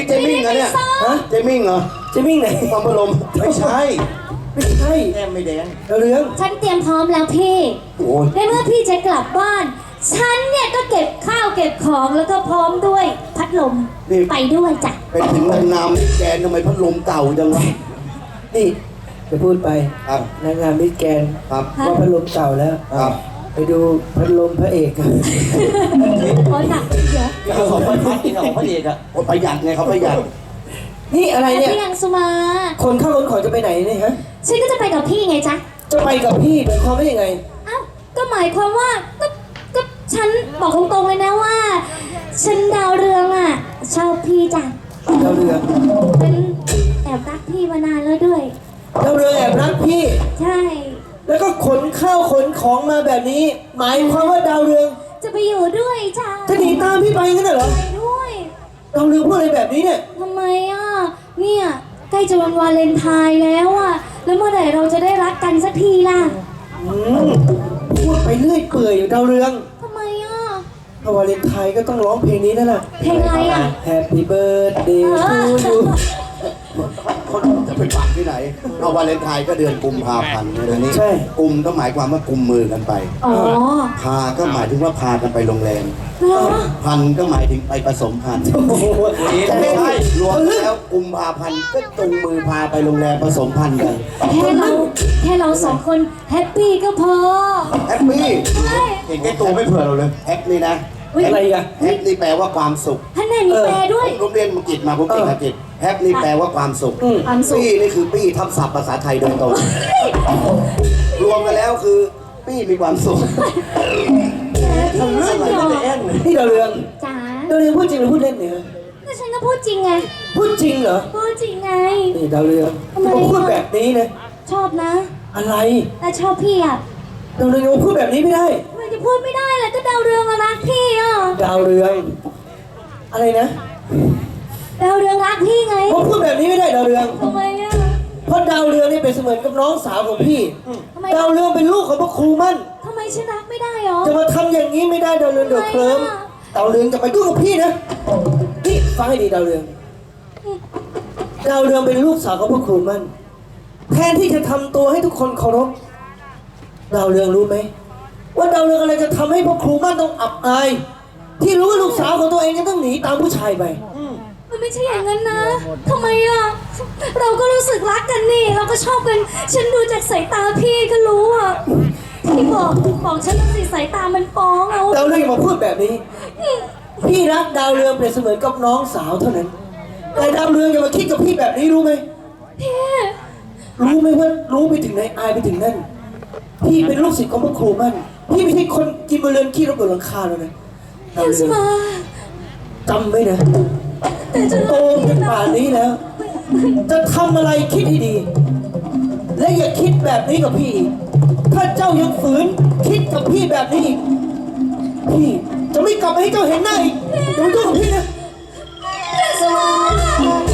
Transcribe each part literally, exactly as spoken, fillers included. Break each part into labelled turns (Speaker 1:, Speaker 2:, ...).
Speaker 1: เจมิ่งเหรอเนี่ยฮะเจมิ่งเหรอเจมิ่งไหนความพลมไม่ใช่ไม่ใช่แก้มไม่แดงเรื่อง
Speaker 2: ฉันเตรียมพร้อมแล้วพี่ในเมื่อพี่จะกลับบ้านฉันเนี่ยก็เก็บข้าวเก็บของแล้วก็พร้อมด้วยพัดลมไปด้วยจ้ะ
Speaker 1: เป็นถึงนางงามมิสแกนทำไมพัดลมเก่าจังวะ
Speaker 3: นี่จะพูดไป
Speaker 1: ครับ
Speaker 3: นางงามมิสแกน
Speaker 1: ครับ
Speaker 3: ว่าพัดลมเก่าแล้ว
Speaker 1: ครับ
Speaker 3: ไปดูพัดลมพระเอกกัน
Speaker 2: โอ้หนักเยอะ
Speaker 1: เขาของพระเอกของพระเอกอะประหยัดไงเขาประหยัด
Speaker 3: นี่อะไรเนี่ย
Speaker 2: พี่ยังสุมา
Speaker 3: คนเข้าคนขอจะไปไหนเนี่ยฮะ
Speaker 2: ฉันก็จะไปกับพี่ไงจ๊ะ
Speaker 3: จะไปกับพี่หมายความว่ายังไง
Speaker 2: อ้าวก็หมายความว่าก็ก็ฉันบอกตรงๆเลยนะว่าฉันดาวเรืองอ่ะชอบพี่จ้ะ
Speaker 3: ดาวเรือง
Speaker 2: เป็นแอบรักพี่มานานแล้วด้วย
Speaker 3: ดาวเรืองแอบรักพี่
Speaker 2: ใช่
Speaker 3: แล้วก็ขนข้าวขนของมาแบบนี้หมายความว่าดาวเรือง
Speaker 2: จะไปอยู่ด้วยจ้ะ
Speaker 3: จะหนีตามพี่ไปงั้นเหรอ
Speaker 2: ไปด้วย
Speaker 3: ดาวเรืองพูดอะไรแบบนี้เนี่ย
Speaker 2: ทำไมอ่ะเนี่ยใกล้จะวันวาเลนไทน์แล้วอ่ะแล้วเมื่อไหร่เราจะได้รักกันสักทีล่ะ
Speaker 3: อืมพูดไปเรื่อยเปื่อยอยู่ดาวเรือง
Speaker 2: ทำไมอ่ะ
Speaker 3: ถ้าวาเลนไทน์ก็ต้องร้องเพลงนี้นั่นแหละ
Speaker 2: เพลงอะไรอ่ะ
Speaker 3: Happy Birthday to you
Speaker 1: เขาจะไปปักที่ไหนเอาวาเลนไทน์ก็เดือนกุมภาพันธ์เดือนนี้
Speaker 3: ใช่
Speaker 1: กุมก็หมายความว่ากุมมือกันไป
Speaker 2: อ๋อ
Speaker 1: พาก็หมายถึงว่าพากันไปโรงแรมพันก็หมายถึงไปผสมพันธุ์ไม่ใช่รวมแล้วกุมภาพันธ์ก็จูงมือพาไปโรงแรมผสมพันธุ์กัน
Speaker 2: แค่เราแค่เราสองคนแฮปปี้ก็พอ
Speaker 1: แฮปปี้เห็นแค่ตัวไม่เผื่อเราเลยแฮปนี่นะ
Speaker 3: อะไรอ่ะ
Speaker 1: แฮปนี่แปลว่าความสุข
Speaker 2: ท่านแม่มีแปลด้วย
Speaker 1: ผมเรียนอังกฤษมาผมเก่งอังกฤษแฮปนี่แปลว่าความสุขปี้นี่คือปี้ทับศัพท์ภาษาไทยโดยตรงรวมกันแล้วคือปี้มีความสุข
Speaker 2: ทำเรื่องอะไร
Speaker 3: กันแอนนี่ดาวเรือง
Speaker 2: จ๋า
Speaker 3: ดาวเรืองพูดจริงหรือพูดเล่นเนี่ย
Speaker 2: ก็ฉันก็พูดจริงไง
Speaker 3: พูดจริงเหรอ
Speaker 2: พูดจริงไง
Speaker 3: นี่ดาวเรืองผมพูดแบบนี้นะ
Speaker 2: ชอบนะ
Speaker 3: อะไร
Speaker 2: แต่ชอบพี่อ่ะ
Speaker 3: ดาวเรืองพูดแบบนี้ไม่ได้
Speaker 2: มันจะพูดไม่ได้แหละก็ดาวเรืองรักพี่อ่ะ
Speaker 3: ดาวเรืองอะไรนะ
Speaker 2: ดาวเรืองรักพี่ไง
Speaker 3: ผมพูดแบบนี้ไม่ได้ดาวเรือง
Speaker 2: ทำไมอ่ะ
Speaker 3: เพราะดาวเรืองนี่เป็นเสมือนกับน้องสาวของพี่ดาวเรืองเป็นลูกของพระครูมั่น
Speaker 2: ทำไมฉันรักไม่ได้หรอ
Speaker 3: จะมาทำอย่างนี้ไม่ได้ดาวเรืองเดือดเคลิ้มดาวเรืองจะไปยุ่งกับพี่นะนี่ฟังให้ดีดาวเรืองดาวเรืองเป็นลูกสาวของพระครูมั่นแทนที่จะทำตัวให้ทุกคนเคารพดาวเรืองรู้ไหมว่าดาวเรืองอะไรจะทำให้พระครูมั่นต้องอับอายที่รู้ว่าลูกสาวของตัวเองจะต้องหนีตามผู้ชายไป
Speaker 2: มันไม่ใช่อย่างนั้นนะทำไมอ่ะเราก็รู้สึกรักกันนี่เราก็ชอบกันฉันดูจากสายตาพี่ก็รู้อ่ะพี่บอกบอกฉันสิสายตามันฟ้องเอา
Speaker 3: ดาวเรืองมาพูดแบบนี้พี่รักดาวเรืองเป็นเสมือนกับน้องสาวเท่านั้นแต่ดาวเรืองอย่ามาคิดกับพี่แบบนี้รู้ไหม
Speaker 2: พี่
Speaker 3: รู้ไหมว่ารู้ไปถึงไหนอายไปถึงนั่นพี่เป็นลูกศิษย์ของพระครูมั่นพี่ไม่ใช่คนกินบะเรือนขี้รบกวนหลังคาแล้วนะ
Speaker 2: เอ็มสมา
Speaker 3: จำไว้นะโตเป็นป่านนี้แล้วจะทำอะไรคิดให้ดีและอย่าคิดแบบนี้กับพี่ถ้าเจ้ายังฝืนคิดกับพี่แบบนี้พี่จะไม่กลับมาให้เจ้าเห็นหน้าอีกอย่ามายุ่งกับพี่นะ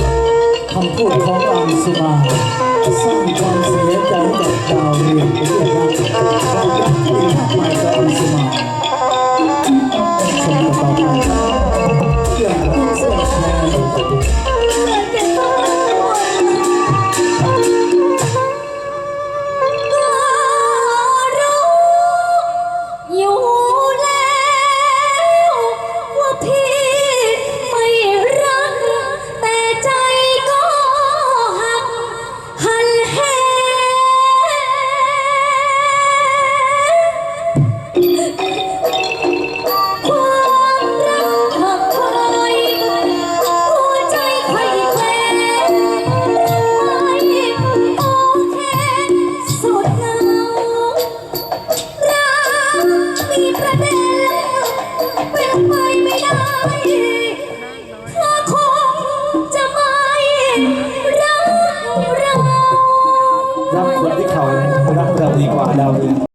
Speaker 4: คำพูดของอังสุมาสร้างความเสียใจกับดาวเรือง